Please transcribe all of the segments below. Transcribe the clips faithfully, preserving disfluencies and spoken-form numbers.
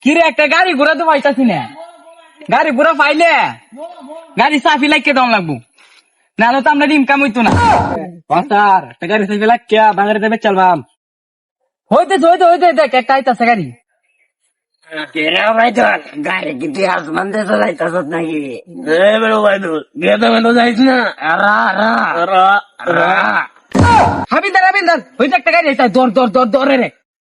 কিরে একটা গাড়ি ঘোড়া তো পাইতাছি না, গাড়ি ঘোড়া পাইলে গাড়ি চাফি লাগিয়ে দেওয়া লাগবো, নাহলে তো আমরা ইনকাম হইতো না। স্যার একটা গাড়ি চাইবে লাগিয়া বাঙালি দেবে চালবাম। হইতে হইতে হইতে দেখ একটা আইতাছে গাড়ি। গাড়ি কি তুই আসমান দিয়ে চালাইতাছ নাকি? গেদা মেদা যাইস না। হাবিন্দার হাবিন্দার হইতে একটা গাড়ি আইতা, দর দর দর দরে রে।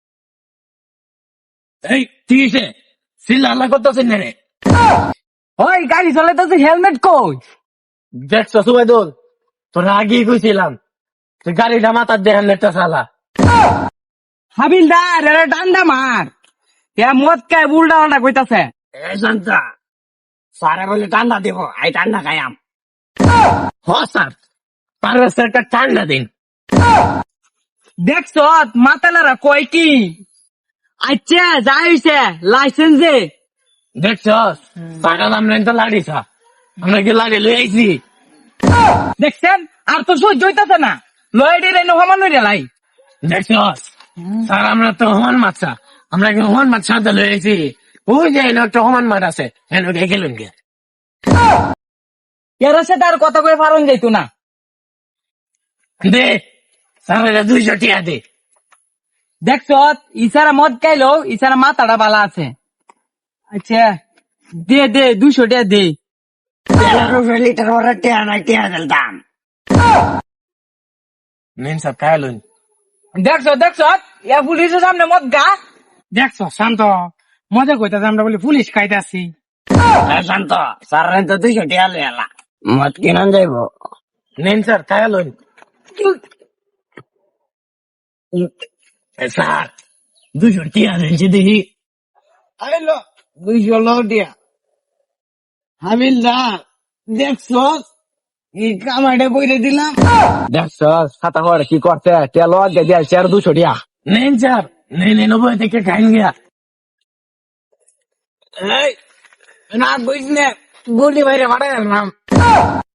এই ঠিক আছে, সিল্লা আল্লাহ করতেছেন না রে। ওই গাড়ি চালাইতেছে, হেলমেট কই? দেখছ সুবাইদুল, তোর আগেই কইছিলাম তুই গাড়িটা মাথার দিয়ে হেলমেটটা চালা। হাবিলদার এরা ডান্ডা মার, এরা মদ খায় উল্টা উল্টা কইতাছে। এ শান্তা, স্যারে বলে ঠান্ডা দিব, আই ঠান্ডা খাইয়াম। হ স্যার, পারবে স্যারটা ঠান্ডা দিন। দেখছ মাতালারা কয় কি? আচ্ছা যাই হইছে লাইসেন্স দে। দেখছ পাগল, আমরা তো লাড়িছা, আমরা কি লাড়ি লই আইছি। দেখছেন আর তো সহ্য হইতাছে না, লয়েডি রে নহমান হইরে লাই। দেখছ স্যার, আমরা তো হমান মাছা, আমরা কি হমান মাছ সাথে লই আইছি। ওই যে এনে একটা হমান মাছ আছে, এনে গে গেলুন গে। এর সাথে আর কথা কয়ে পারন যাইতো না। দে স্যার, দুইশো টিয়া দে। দেখছ ইসারা মদ খাইলো, ইসারা মাথাটা বালা আছে। আচ্ছা দে দে দুশো টাকা দে। লিটার ওরা টিয়া নাই, টিয়া দিল দাম। নিন স্যার খাইলুন। দেখছ দেখছ ইয়া পুলিশের সামনে মদ গা। দেখছ শান্ত, মজা কইতাছে আমরা বলি পুলিশ খাইতাছি। শান্ত স্যার, তো দুইশো টিয়া লই এলা, মদ কিনান যাইব। নিন স্যার খাইলুন। স্যার দুইশো টিয়া দিয়েছি দেখি। আইলো দুইশো লটিয়া। হাবিলদার দেখছ এই কামাটা কইরে দিলাম। দেখছ ছাতা করে কি করছে, তেল দিয়ে আর দুশো টিয়া। নেন স্যার, নেই নেই নব্বই থেকে খাইন গিয়া। এই না বুঝলে গুলি বাইরে পাঠাই গেলাম।